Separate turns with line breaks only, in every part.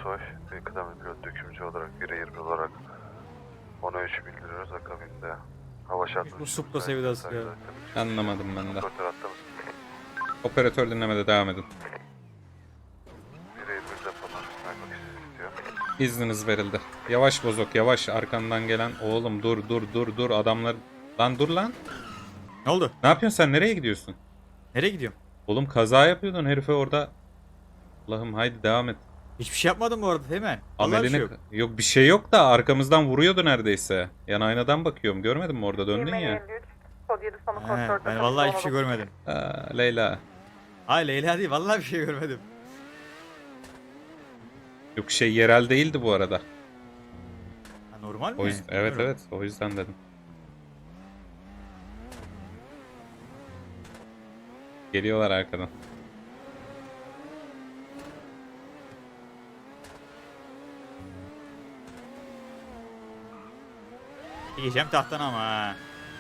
Soy, kıdemli pilot dökümcü olarak, 1'e 20 olarak 10'a 3 bildiriyoruz akabinde. Hava şartları...
Bu Supra sevdası ya.
Anlamadım ben de.
Operatör attığımız
Operatör dinlemede devam edin.
1'e 20 depolar, sniper istiyor.
İzniniz verildi. Yavaş bozok yavaş, arkandan gelen oğlum dur adamlar. Lan dur lan.
Ne oldu?
Ne yapıyorsun sen, nereye gidiyorsun?
Nereye gidiyorum?
Oğlum kaza yapıyordun herife orada. Allah'ım haydi devam et.
Hiçbir şey yapmadım bu arada hemen. Vallahi bir
Amelini
şey yok.
yok bir şey yok da arkamızdan vuruyordu neredeyse. Yan aynadan bakıyorum, görmedin mi orada döndün ya.
Ben vallahi hiçbir şey görmedim.
Leyla.
Hayır Leyla değil, vallahi bir şey görmedim.
Yok şey yerel değildi bu arada.
Ha, normal mi?
O yüzden, evet
Bilmiyorum.
evet o yüzden dedim. Geliyorlar arkadan.
Yiyeceğim tahttan ama ha.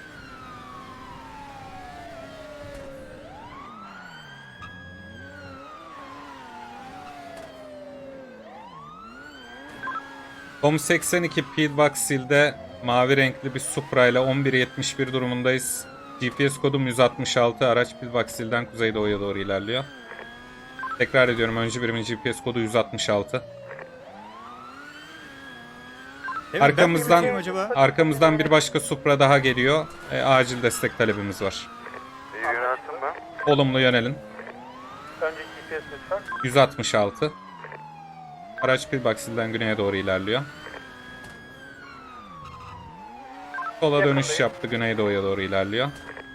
Tom 82 Pillbox Hill'de mavi renkli bir Supra ile 11.71 durumundayız. GPS kodum 166, araç Pillbox Hill'den kuzeydoğuya doğru ilerliyor. Tekrar ediyorum, öncü birimin GPS kodu 166.
Hemen ben mi
Arkamızdan
bakayım acaba?
arkamızdan bir başka Supra daha geliyor. Acil destek talebimiz var.
İyi yöneltim ben.
Olumlu yönelin.
Önce GPS lütfen.
166. Araç Pillbox Hill'den güneye doğru ilerliyor. Sola dönüş yaptı, güneydoğuya doğru ilerliyor.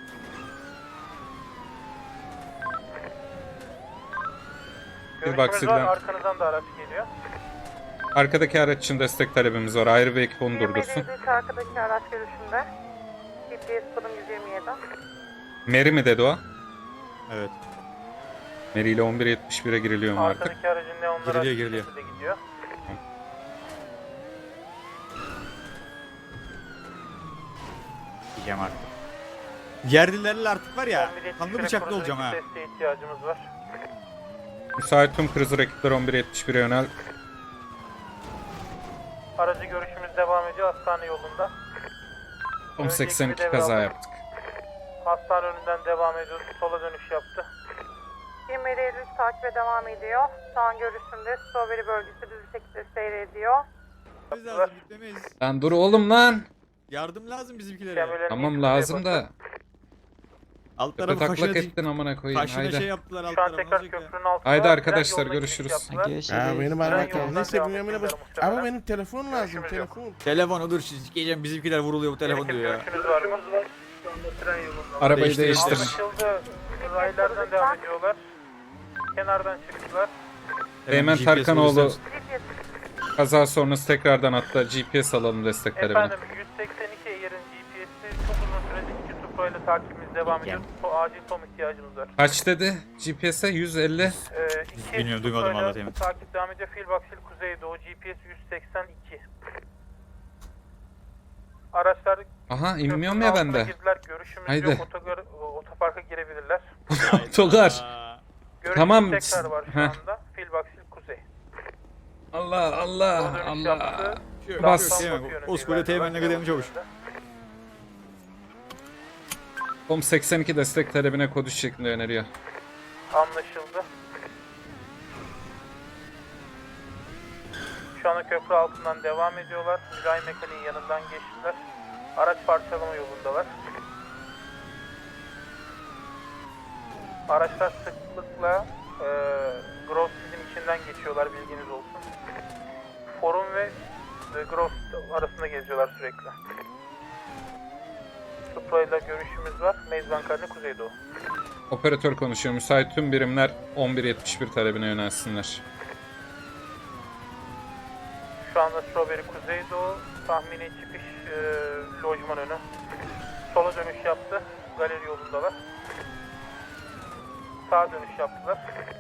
Görüşümüz var,
Hill'den
arkanızdan da araç geliyor.
arkadaki araç için destek talebimiz var. Ayrı bir ekip onu durdursun.
27 arkadaki araç görüşünde. GPS kodum 127.
Mary mi dedi o?
Evet.
Mary ile 11.71'e giriliyor mu artık?
Arkadaki aracın neonları
Giriliyor.
açık şekilde gidiyor.
Yiyeceğim artık. Yerlilerle artık var ya.
11.71'e
Kanlı bıçaklı
kurulu
olacağım ha.
desteğe ihtiyacımız var.
Müsait tüm cruiser ekipler 11.71'e yönel.
Aracı görüşümüz devam ediyor hastane yolunda.
Tom 82 kaza yaptık.
Hastane önünden devam ediyoruz. Sola dönüş yaptı.
27 Eylül takibe devam ediyor. Şu an görüşümde Strawberry bölgesi düz bir şekilde seyrediyor.
Biz lazım gitmemeyiz.
Lan dur oğlum lan.
Yardım lazım bizimkilere.
Kemerlerini
Tamam
yukarıya
lazım
basın.
da.
Alt
Tepe
tarafı
taklak
kaşına,
ettin amına koyayım.
kaşına şey
Haydi.
yaptılar alt
Şu an
tarafı.
tekrar
olacak ya.
köprünün altında.
Haydi
tren
arkadaşlar,
yoluna
görüşürüz.
giriş yaptılar.
Ya benim
Tren
aramak
yolundan
neyse
devam
bilmem ne
edecekler
bas.
muhtemelen.
Ama benim telefon lazım,
Görüşümüz yok.
telefon.
Telefonu dur sikeceğim, bizimkiler vuruluyor bu telefon
Ekip
diyor ya.
görüşünüz var mı? Şu anda tren yolunda.
Arabayı değiştir.
Anlaşıldı. Raylardan devam ediyorlar. Kenardan çıktılar.
Eymen
GPS
Tarkanoğlu
bulursanız-
kaza sonrası tekrardan hatta GPS alalım destek talebine.
Efendim 182 yerin GPS'i çok uzun süredir iki Supra ile takibimiz devam ediyor. Acil tom ihtiyacımız var.
Kaç dedi? GPS'e 150.
İki
Bilmiyorum, duymadım
Supra ile
vallahi Teğmen.
takip devam ediyor. Philbox Hill Kuzeydoğu GPS 182. Araçlar
Aha inmiyorum
köprünün
ya
altına
bende.
girdiler. Görüşümüz
Haydi.
yok. Otoparka girebilirler.
Togar.
Görüşümüz
Tamam.
tekrar var şu
Heh.
anda. Philbox Hill Kuzey.
Allah Allah
Sola dönüş
Allah.
yaptı.
Bas.
Downtown
Teğmen,
Batı yönünde
koskoca
ilerliyorlar.
Teğmen'le kıdemli çavuş.
Tom 82 destek talebine kod 3 şeklinde öneriyor.
Anlaşıldı. Şu anda köprü altından devam ediyorlar. Mülayim Mekani'nin yanından geçtiler. Araç parçalama yolundalar. Araçlar sıklıkla Gross sizin içinden geçiyorlar, bilginiz olsun. Forum ve Gross arasında geziyorlar sürekli. Supra ile görüşümüz var. Mezban Karni Kuzeydoğu.
Operatör konuşuyor. Müsait tüm birimler 11.71 talebine yönelsinler.
Şu anda Strawberry Kuzeydoğu, tahmini çıkış lojman önü. Sola dönüş yaptı, galeri yolundalar. Sağa dönüş yaptılar.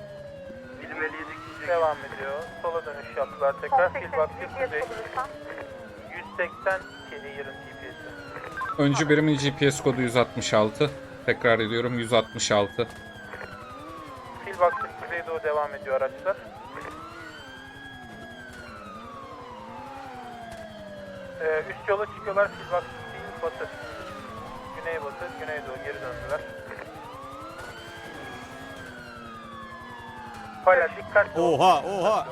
Devam ediyor. Sola dönüş yaptılar tekrar. Philbox Hill
GPS
Kuzey.
kodu lütfen.
182 yerin GPS'i.
Öncü birimin GPS kodu 166. Tekrar ediyorum 166.
Philbox Hill Kuzeydoğu devam ediyor araçlar. Üst yola çıkıyorlar. Feedback değil, batı. Güneybatı, güneydoğu geri döndüler. Hala dikkatli olun.
Oha oha.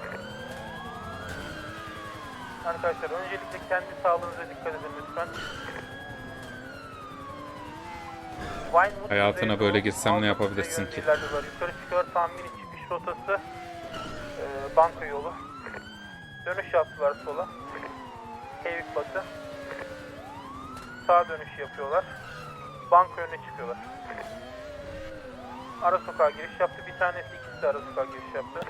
Arkadaşlar öncelikle kendi sağlığınıza dikkat edin lütfen. Vinewood,
Hayatına
Kuzeydoğu,
böyle girsem ne
Altın
yapabilirsin
Kuzey
ki?
yönündeler. Yukarı çıkıyor tahmini çıkış rotası. Banka yolu. Dönüş yaptılar sola. Heyvik batı. Sağ dönüş yapıyorlar. Banka önüne çıkıyorlar. Ara sokağa giriş yaptı. Bir tanesi, ikisi de ara sokağa giriş yaptı.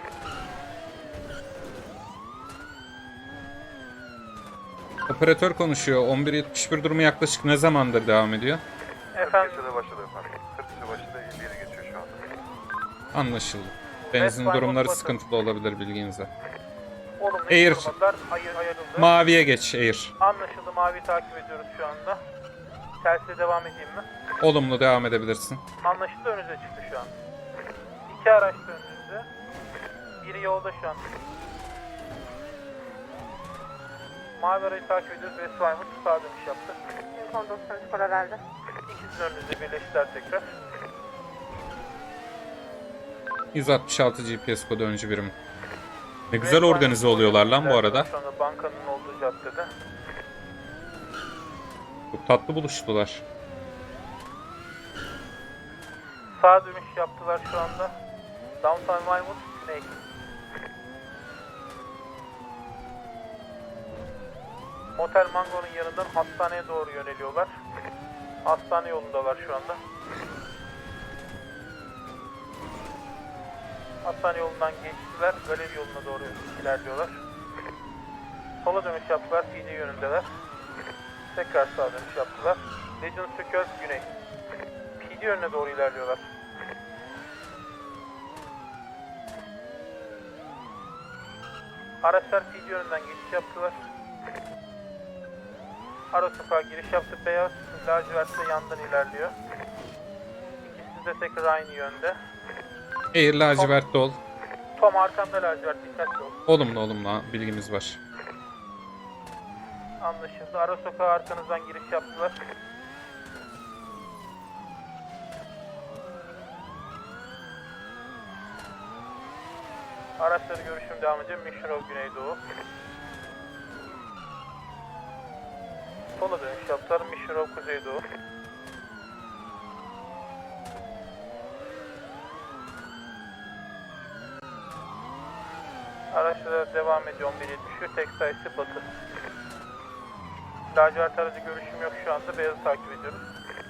Operatör konuşuyor. 11.71 durumu yaklaşık ne zamandır devam ediyor?
Efendim,
başladı efendim. 40 başladı 57 geçiyor şu anda.
Anlaşıldı. Benzin
West
durumları
Vinewood
sıkıntılı olabilir bilginize.
olumlu
Air.
informasyonlar ayrıldı.
Maviye geç Air.
Anlaşıldı. Mavi takip ediyoruz şu anda. Tersiyle devam edeyim mi?
Olumlu devam edebilirsin.
Anlaşıldı, önünüze çıktı şu an. İki araç da önünüzde. Biri yolda şu an. Mavi arayı takip ediyoruz. West Vinewood sağa dönüş yaptı.
Son 93 paralelde.
İkisinin önünüzde birleştiler tekrar.
166 GPS kodu öncü birim. Ne güzel
West
organize
Vinewood
oluyorlar lan bu
ilerliyor
arada.
Şu anda bankanın olduğu caddede.
Çok tatlı buluştular.
Sağa dönüş yaptılar şu anda. Downtown Vinewood, güney. Motel Mango'nun yanından hastaneye doğru yöneliyorlar. Hastane yolundalar şu anda. Hastane yolundan geçtiler. Galeri yoluna doğru ilerliyorlar. Sola dönüş yaptılar. PD yönündeler. Tekrar sağa dönüş yaptılar. Legion Circle güney. PD yönüne doğru ilerliyorlar. Araçlar PD yönünden geçiş yaptılar. Ara sokağa giriş yaptı. Beyaz lacivertle yandan ilerliyor. İkisi de tekrar aynı yönde.
Air lacivertli ol.
Tom arkamda lacivert, dikkatli ol.
Olumlu bilgimiz var.
Anlaşıldı. Ara sokağa arkanızdan giriş yaptılar. Araçları görüşüm devam ediyor. Mission Road Güneydoğu. Sola dönüş yaptılar. Mission Road Kuzeydoğu. Araçlara devam ediyor. 11.73. Tek sayısı batı. Lacivert aracı görüşüm yok şu anda. Beyazı takip ediyoruz.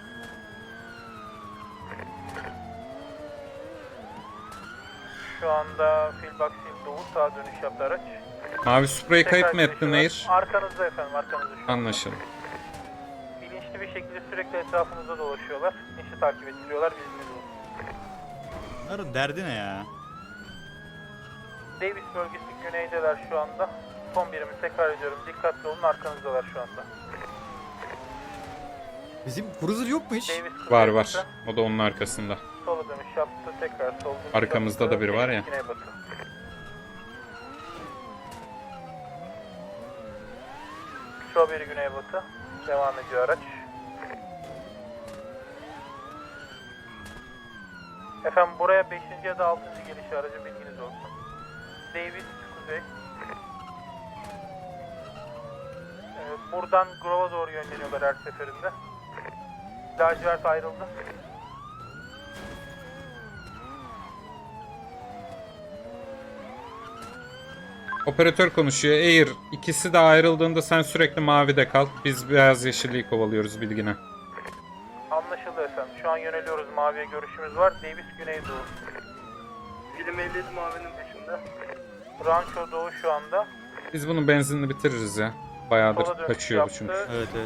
Şu anda Filbak Sil Doğu sağa dönüş yaptı araç.
Mavi Supra'yı kayıp mı
Tekrar
ettin
girişiyorlar.
Air?
Arkanızda efendim, arkanızda şu an.
Anlaşıldı.
Bilinçli bir şekilde sürekli etrafınızda dolaşıyorlar. İşi takip ettiriyorlar, bilginiz olsun.
Bunların derdi ne ya?
Davis bölgesi güneydeler şu anda. Son birimi tekrar ediyorum. Dikkatli olun, arkanızdalar şu anda.
Bizim cruiser yok mu hiç?
Davis
Var
kuzeybatı.
var. O da onun arkasında.
Sola dönüş yaptı, tekrar sol dönüş
Arkamızda
yaptı.
da biri var ya.
Güneybatı. Strawberry güneybatı. Devam ediyor araç. Efendim buraya 5. ya da 6. geliş aracı, bilginiz olsun. Davis kuzey. Buradan Grove'a doğru yönleniyorlar her seferinde. Lacivert ayrıldı.
Operatör konuşuyor. Air ikisi de ayrıldığında sen sürekli mavide kal. Biz beyaz yeşilliği kovalıyoruz bilgine.
Anlaşıldı efendim. Şu an yöneliyoruz. Maviye görüşümüz var. Davis güneydoğu. Film 57 mavinin dışında. Rancho doğu şu anda.
Biz bunun benzinini bitiririz ya. Bayağıdır
Sola dönüş
kaçıyor bu
yaptı.
çünkü.
Evet evet.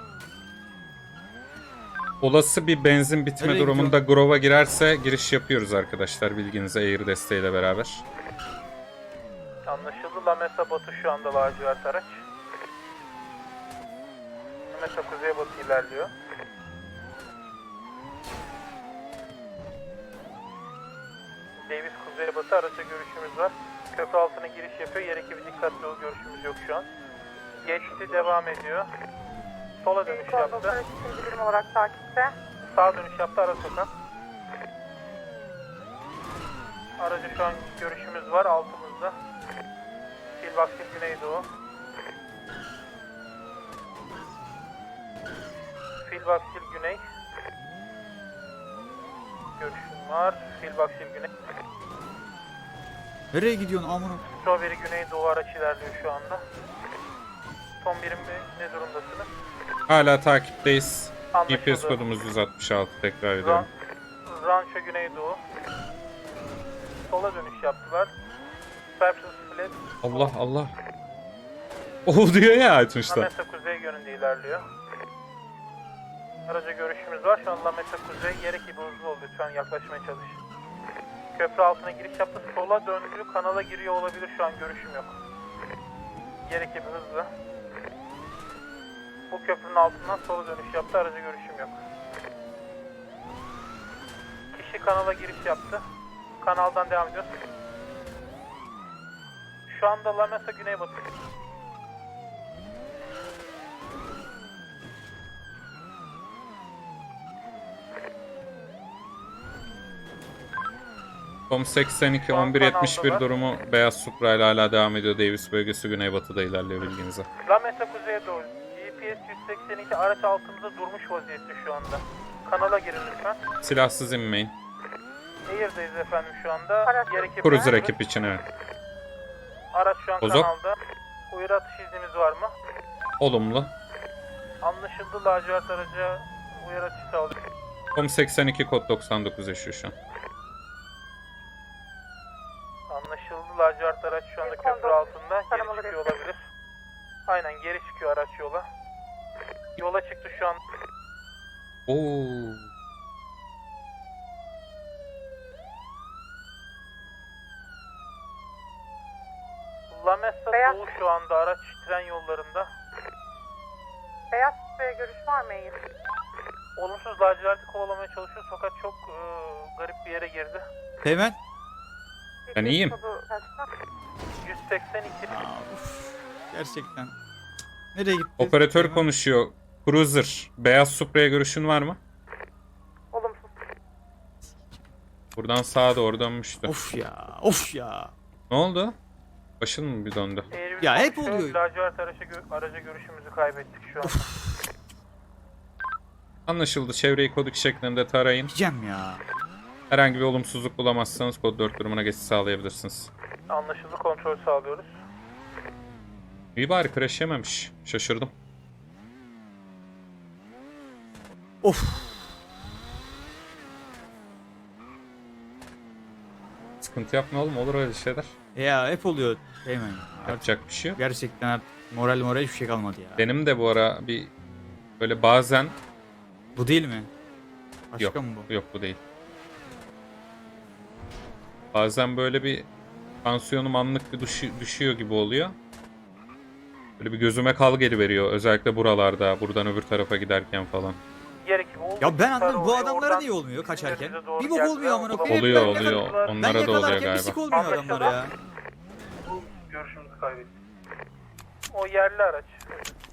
Olası bir benzin bitme
Nereye
durumunda Grove'a girerse giriş yapıyoruz arkadaşlar bilginize Air desteğiyle beraber.
Anlaşıldı. La Mesa batı şu anda lacivert araç. La Mesa kuzeybatı ilerliyor. Davis kuzeybatı araçla görüşümüz var. Köprü altına giriş yapıyor. Yer ekibi dikkatli ol, görüşümüz yok şu an. Geçti, devam ediyor. Sola dönüş yaptı.
Konduklar ikinci birim olarak takipte.
Sağa dönüş yaptı, ara sokak. Aracı şu an görüşümüz var altımızda. Filbaksil Güneydoğu. Filbaksil Güney. Görüşüm var. Filbaksil Güney.
Nereye gidiyorsun amına?
Strawberry Güneydoğu araç ilerliyor şu anda. Son birim ne durumdasınız?
Hala takipteyiz.
Anlaşıldı.
GPS kodumuz 166 tekrar ediyorum.
Rancho Güneydoğu. Sola dönüş yaptılar. Cypress Flat.
Allah Allah. O diyor ya açmışlar.
Lamesa Kuzey yönünde ilerliyor. Araca görüşümüz var. Şu an Lamesa Kuzey yer ekibi hızlı oldu. Lütfen yaklaşmaya çalış. Köprü altına giriş yaptı. Sola döndü. Kanala giriyor olabilir. Şu an görüşüm yok. Yer ekibi hızlı. Bu köprünün altından sola dönüş yaptı. Araca görüşüm yok. Kişi kanala giriş yaptı. Kanaldan devam ediyoruz. Şu anda Lamesa Güneybatı.
Tom 82
Şu an
1171
kanaldalar.
durumu Beyaz Supra ile hala devam ediyor. Davis bölgesi güneybatıda ilerliyor bilginize.
Lamesa kuzeye doğru. GPS 182 araç altımızda durmuş vaziyette şu anda. Kanala girin lütfen.
Silahsız inmeyin.
Air'deyiz efendim şu anda.
Araç-
Yer ekibi.
Cruiser ekip için evet.
Araç şu an
Bozok.
kanalda. Uyarı atış iznimiz var mı?
Olumlu.
Anlaşıldı, lacivert araca uyarı atışı sağlıyor.
Tom 82 kod 99 yaşıyor şu an.
Anlaşıldı, lacivert araç şu anda
Bir
köprü
kondom
altında. Geri
taramaları
çıkıyor olabilir. Aynen, geri çıkıyor araç yola. Yola çıktı şu an.
Oo.
Lamesa
Beyaz-
Doğu şu anda araç tren yollarında.
Beyaz Sütü'ye görüş var mı Eğil?
Olumsuz, laciverti kovalamaya çalışıyor fakat çok garip bir yere girdi.
Hemen.
Ben iyiyim.
Kodu kaçta?
182.
Gerçekten. Nereye gitti?
Operatör konuşuyor. Cruiser. Beyaz Supra'ya görüşün var mı?
Olumsuz.
Buradan sağa doğru dönmüştü.
Of ya. Of ya.
Ne oldu? Başın mı bir döndü?
Ya hep oluyor.
Lacivert araca görüşümüzü kaybettik şu an.
Anlaşıldı. Çevreyi kod 2 şeklinde tarayın.
Gideceğim ya.
Herhangi bir olumsuzluk bulamazsanız kod 4 durumuna geçiş sağlayabilirsiniz.
Anlaşıldı, kontrol sağlıyoruz.
İyi bari crash yememiş. Şaşırdım.
Of.
Sıkıntı yapma oğlum, olur öyle şeyler.
Ya hep oluyor. Hemen.
Yapacak bir şey yok.
Gerçekten artık moral hiçbir şey kalmadı ya.
Benim de bu ara bir böyle bazen
Bu değil mi? Başka
yok,
mı bu?
yok bu değil. Bazen böyle bir tansiyonum anlık bir düşüyor gibi oluyor. Böyle bir gözüme kal geliveriyor. Özellikle buralarda, buradan öbür tarafa giderken falan.
Yer ekibi oldu.
Ya ben anlamadım, bu
Oraya
adamlara
oradan
niye olmuyor kaçarken?
bize doğru
Bir bok
geldiler
olmuyor
ama
amına
bulamadık.
koyayım.
Oluyor
Ben
oluyor.
Ben
Onlara da oluyor
yakalarken bir
galiba.
sik olmuyor adamlara ya.
Bu görüşümüzü kaybettik. O yerli araç.